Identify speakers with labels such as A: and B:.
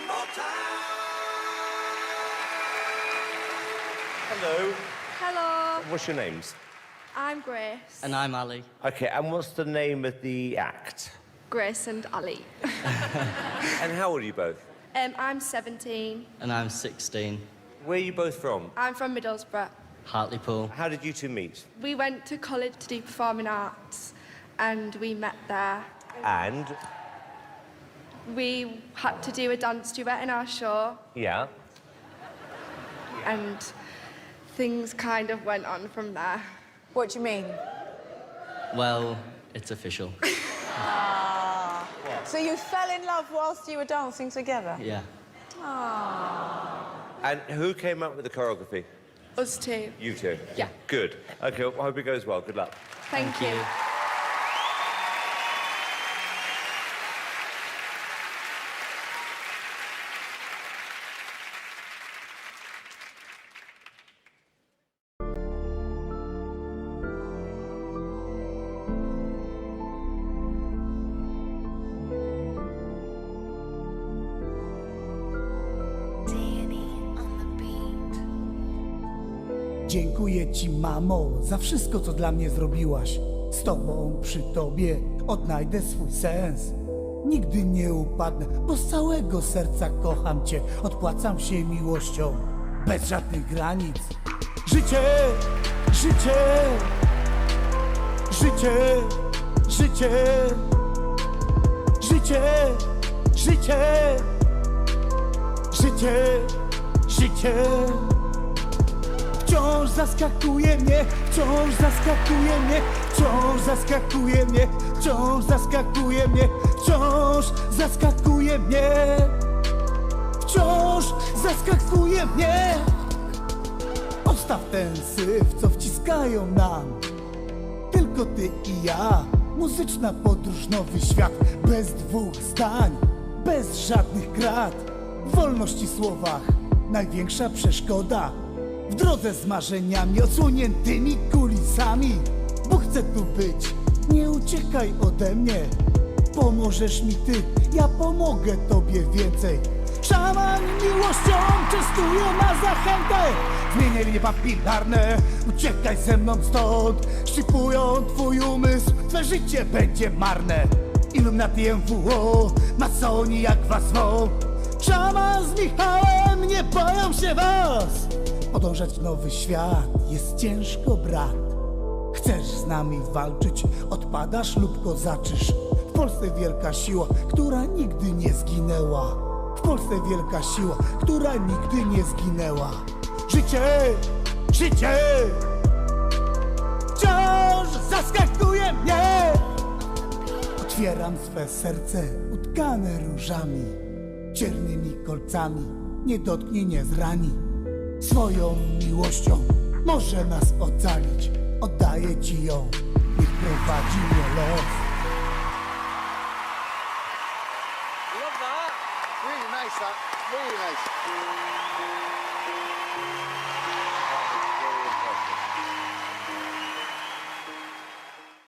A: Hello.
B: Hello,
A: What's your names?
B: I'm Grace.
C: And I'm Ali.
A: Okay, and what's the name of the act?
B: Grace and Ali.
A: And how old are you both?
B: I'm 17.
C: And I'm 16.
A: Where are you both from?
B: I'm from Middlesbrough.
C: Hartlepool.
A: How did you two meet?
B: We went to college to do performing arts and we met there.
A: And?
B: We had to do a dance duet in our show
A: Yeah.
B: and things kind of went on from there.
D: What do you mean?
C: Well, it's official.
D: So you fell in love whilst you were dancing together?
C: Yeah.
A: And who came up with the choreography?
B: Us two.
A: You two?
B: Yeah.
A: Good. Okay, well, I hope it goes well. Good luck.
B: Thank you.
E: Dziękuję ci, mamo, za wszystko, co dla mnie zrobiłaś. Z tobą, przy tobie odnajdę swój sens. Nigdy nie upadnę, bo z całego serca kocham cię. Odpłacam się miłością, bez żadnych granic. Życie, życie, życie, życie, życie, życie, życie, życie. Wciąż zaskakuje mnie, wciąż zaskakuje mnie, wciąż zaskakuje mnie, wciąż zaskakuje mnie, wciąż zaskakuje mnie, wciąż zaskakuje mnie. Odstaw ten syf, co wciskają nam tylko ty i ja. Muzyczna podróż, nowy świat, bez dwóch zdań, bez żadnych krat. W wolności słowach największa przeszkoda. W drodze z marzeniami, odsłoniętymi kulisami. Bo chcę tu być, nie uciekaj ode mnie. Pomożesz mi ty, ja pomogę tobie więcej. Szaman miłością częstuje na zachętę. Zmienię linie papilarne, uciekaj ze mną stąd. Szczypują twój umysł, twoje życie będzie marne. Illuminati, MWO, masoni jak was zwą. Szaman z Michałem, nie boją się was. Podążać w nowy świat jest ciężko, brat. Chcesz z nami walczyć, odpadasz lub kozaczysz. W Polsce wielka siła, która nigdy nie zginęła. W Polsce wielka siła, która nigdy nie zginęła. Życie, życie wciąż zaskakuje mnie. Otwieram swe serce utkane różami, ciernymi kolcami, nie dotknie, nie zrani. Swoją miłością może nas ocalić. Oddaję ci ją, niech prowadzi mnie los.
F: Love that. Really nice, that. Really nice.